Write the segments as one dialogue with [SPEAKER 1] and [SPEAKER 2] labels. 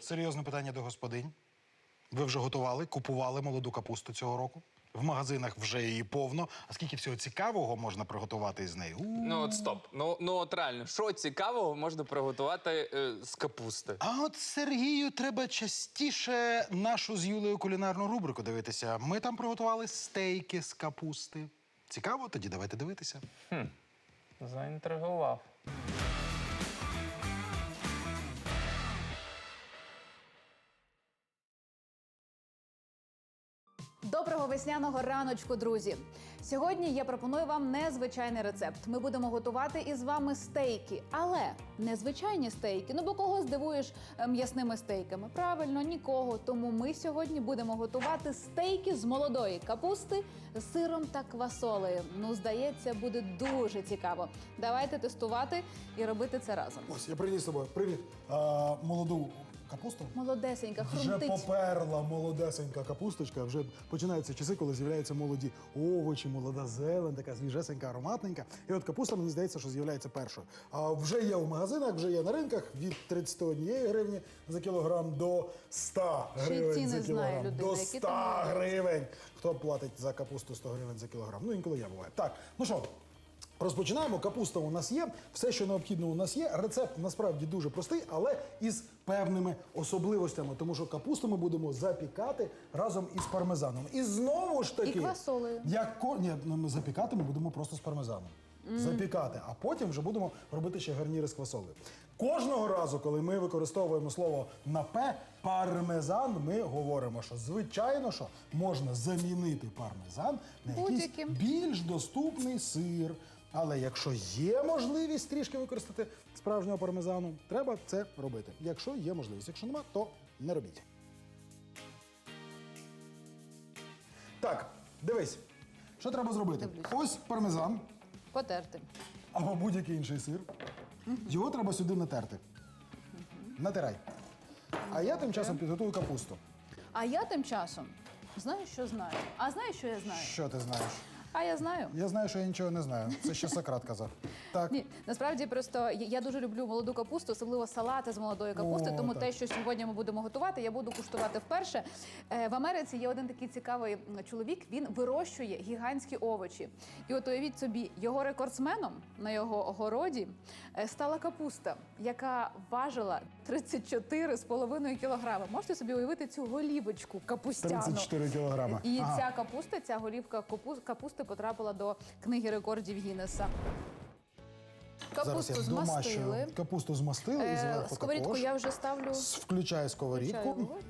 [SPEAKER 1] Серйозне питання до господинь. Ви вже готували, купували молоду капусту цього року? В магазинах вже її повно. А скільки всього цікавого можна приготувати із нею?
[SPEAKER 2] Ну от стоп. Ну от реально, що цікавого можна приготувати з капусти?
[SPEAKER 1] А от Сергію треба частіше нашу з Юлею кулінарну рубрику дивитися. Ми там приготували стейки з капусти. Цікаво? Тоді давайте дивитися.
[SPEAKER 2] Заінтригував.
[SPEAKER 3] Доброго весняного раночку, друзі! Сьогодні я пропоную вам незвичайний рецепт. Ми будемо готувати із вами стейки, але не звичайні стейки. Ну бо кого здивуєш м'ясними стейками? Правильно, нікого. Тому ми сьогодні будемо готувати стейки з молодої капусти з сиром та квасолею. Ну, здається, буде дуже цікаво. Давайте тестувати і робити це разом.
[SPEAKER 4] Ось, я приніс з собою. Привіт. Молоду капусту.
[SPEAKER 3] Молодесенька,
[SPEAKER 4] Вже
[SPEAKER 3] хрумтить.
[SPEAKER 4] поперла молодесенька капусточка. Вже починаються часи, коли з'являються молоді овочі, молода зелень, така свіжесенька, ароматненька. І от капуста, мені здається, що з'являється першою. А вже є в магазинах, вже є на ринках від 31 гривні за кілограм до 100
[SPEAKER 3] Ще й
[SPEAKER 4] гривень
[SPEAKER 3] ціни
[SPEAKER 4] за
[SPEAKER 3] знає
[SPEAKER 4] кілограм.
[SPEAKER 3] людина,
[SPEAKER 4] До
[SPEAKER 3] які
[SPEAKER 4] 100
[SPEAKER 3] там є.
[SPEAKER 4] гривень. Хто платить за капусту 100 гривень за кілограм? Ну, інколи я буваю. Так, ну що, розпочинаємо. Капуста у нас є, все, що необхідно у нас є. Рецепт насправді дуже простий, але із певними особливостями, тому що капусту ми будемо запікати разом із пармезаном. І знову ж таки...
[SPEAKER 3] І квасолею.
[SPEAKER 4] Ні, ми запікати ми будемо просто з пармезаном. Запікати, а потім вже будемо робити ще гарніри з квасолею. Кожного разу, коли ми використовуємо слово на «п», пармезан, ми говоримо, що звичайно, що можна замінити пармезан на якийсь
[SPEAKER 3] Будь-яким.
[SPEAKER 4] більш доступний сир. Але якщо є можливість трішки використати справжнього пармезану, треба це робити. Якщо є можливість. Якщо нема, то не робіть. Так, дивись, що треба зробити?
[SPEAKER 3] Дивлюсь.
[SPEAKER 4] Ось пармезан
[SPEAKER 3] Потерти.
[SPEAKER 4] або будь-який інший сир. Його треба сюди натерти. Натирай. А я тим часом підготую капусту.
[SPEAKER 3] А я тим часом знаю, що знаю. А знаєш, що я знаю?
[SPEAKER 4] Що ти знаєш?
[SPEAKER 3] А я знаю.
[SPEAKER 4] Я знаю, що я нічого не знаю. Це ще Сократ казав. Так.
[SPEAKER 3] Ні, насправді просто я дуже люблю молоду капусту, особливо салати з молодої капусти.
[SPEAKER 4] О,
[SPEAKER 3] тому
[SPEAKER 4] так.
[SPEAKER 3] те, що сьогодні ми будемо готувати, я буду куштувати вперше. В Америці є один такий цікавий чоловік. Він вирощує гігантські овочі. І от уявіть собі, його рекордсменом на його городі стала капуста, яка важила 34,5 кілограми. Можете собі уявити цю голівочку капустяну?
[SPEAKER 4] 34 кілограма.
[SPEAKER 3] І
[SPEAKER 4] Ага.
[SPEAKER 3] ця капуста, ця голівка капусти потрапила до книги рекордів Гіннеса.
[SPEAKER 4] Зараз
[SPEAKER 3] Капусту
[SPEAKER 4] я
[SPEAKER 3] змастили.
[SPEAKER 4] домащую. Капусту змастили і зверху
[SPEAKER 3] Сковорідку
[SPEAKER 4] також.
[SPEAKER 3] я вже ставлю.
[SPEAKER 4] Включаю сковорідку.
[SPEAKER 3] Включаю вогонь.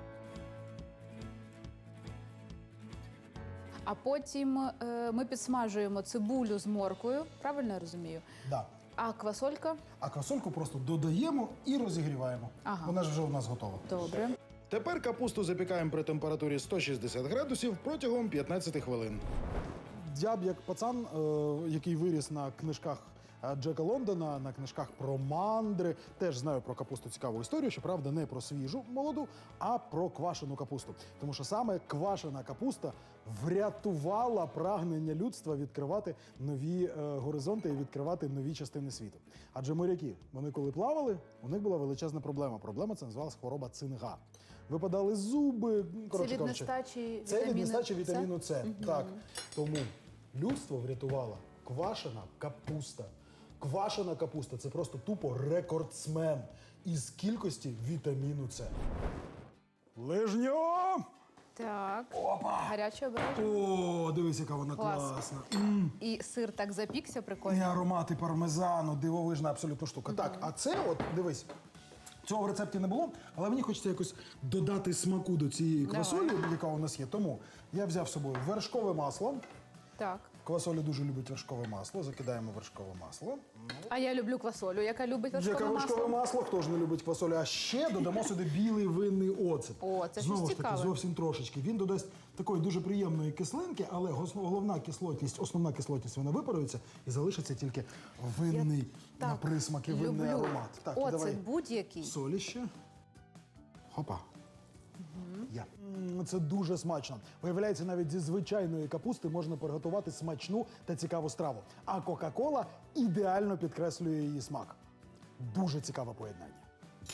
[SPEAKER 3] А потім ми підсмажуємо цибулю з морквою. Правильно я розумію?
[SPEAKER 4] Да.
[SPEAKER 3] А квасолька?
[SPEAKER 4] А квасольку просто додаємо і розігріваємо.
[SPEAKER 3] Ага.
[SPEAKER 4] Вона ж вже у нас готова.
[SPEAKER 3] Добре.
[SPEAKER 1] Тепер капусту запікаємо при температурі 160 градусів протягом 15 хвилин.
[SPEAKER 4] Я б як пацан, який виріс на книжках Джека Лондона, на книжках про мандри, теж знаю про капусту цікаву історію, щоправда, не про свіжу молоду, а про квашену капусту. Тому що саме квашена капуста врятувала прагнення людства відкривати нові горизонти і відкривати нові частини світу. Адже моряки, вони коли плавали, у них була величезна проблема. Проблема це називалась хвороба цинга. Випадали зуби, коротше
[SPEAKER 3] від
[SPEAKER 4] кажучи.
[SPEAKER 3] нестачі
[SPEAKER 4] Це від
[SPEAKER 3] вітаміну
[SPEAKER 4] нестачі
[SPEAKER 3] С?
[SPEAKER 4] вітаміну С. Так. Тому людство врятувала квашена капуста. Квашена капуста – це просто тупо рекордсмен із кількості вітаміну С. Лижньо!
[SPEAKER 3] Так. Гаряче обережно.
[SPEAKER 4] О, дивись, яка вона
[SPEAKER 3] Клас.
[SPEAKER 4] класна.
[SPEAKER 3] І сир так запікся,
[SPEAKER 4] І
[SPEAKER 3] прикольно.
[SPEAKER 4] аромати пармезану, дивовижна абсолютно штука. Так, а це от, дивись, цього в рецепті не було, але мені хочеться якось додати смаку до цієї квасолі, яка у нас є. Тому я взяв з собою вершкове масло.
[SPEAKER 3] Так.
[SPEAKER 4] Квасоля дуже любить вершкове масло. Закидаємо вершкове масло.
[SPEAKER 3] А я люблю квасолю, яка любить
[SPEAKER 4] Яке
[SPEAKER 3] вершкове
[SPEAKER 4] вершкове
[SPEAKER 3] масло.
[SPEAKER 4] масло, хто ж не любить квасолю. А ще додамо сюди білий винний оцет.
[SPEAKER 3] О, це щось
[SPEAKER 4] Знову ж таки,
[SPEAKER 3] цікаве.
[SPEAKER 4] зовсім трошечки. Він додасть такої дуже приємної кислинки, але головна кислотність, основна кислотність, вона випарується і залишиться тільки винний
[SPEAKER 3] так
[SPEAKER 4] на присмаки, винний
[SPEAKER 3] люблю.
[SPEAKER 4] аромат. Так,
[SPEAKER 3] Оцет
[SPEAKER 4] давай
[SPEAKER 3] будь-який.
[SPEAKER 4] солі ще. Хопа. Я. Це дуже смачно. Виявляється, навіть зі звичайної капусти можна приготувати смачну та цікаву страву. А Кока-Кола ідеально підкреслює її смак. Дуже цікаве поєднання.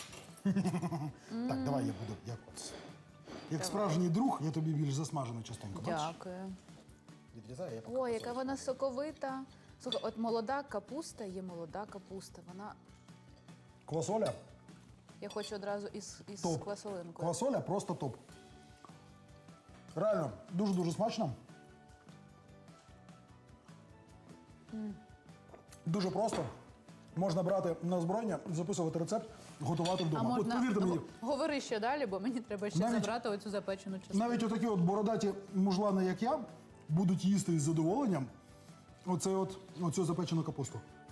[SPEAKER 4] Так, давай я буду. Як справжній друг, я тобі більш засмажену частинку. Бачиш?
[SPEAKER 3] Дякую.
[SPEAKER 4] Відрізаю, я поки
[SPEAKER 3] Ой, яка
[SPEAKER 4] посолю.
[SPEAKER 3] вона соковита. Слухай, от молода капуста є молода капуста. Вона.
[SPEAKER 4] Квасоля
[SPEAKER 3] Я хочу одразу із
[SPEAKER 4] топ.
[SPEAKER 3] квасолинкою.
[SPEAKER 4] Квасоля просто топ. Реально, дуже-дуже смачно. Дуже просто. Можна брати на озброєння, записувати рецепт, готувати
[SPEAKER 3] А
[SPEAKER 4] вдома. От
[SPEAKER 3] можна
[SPEAKER 4] повірте мені,
[SPEAKER 3] говори ще далі, бо мені треба ще
[SPEAKER 4] Навіть-
[SPEAKER 3] забрати оцю запечену частину.
[SPEAKER 4] навіть отакі от бородаті мужлани, як я, будуть їсти із задоволенням оцю запечену капусту.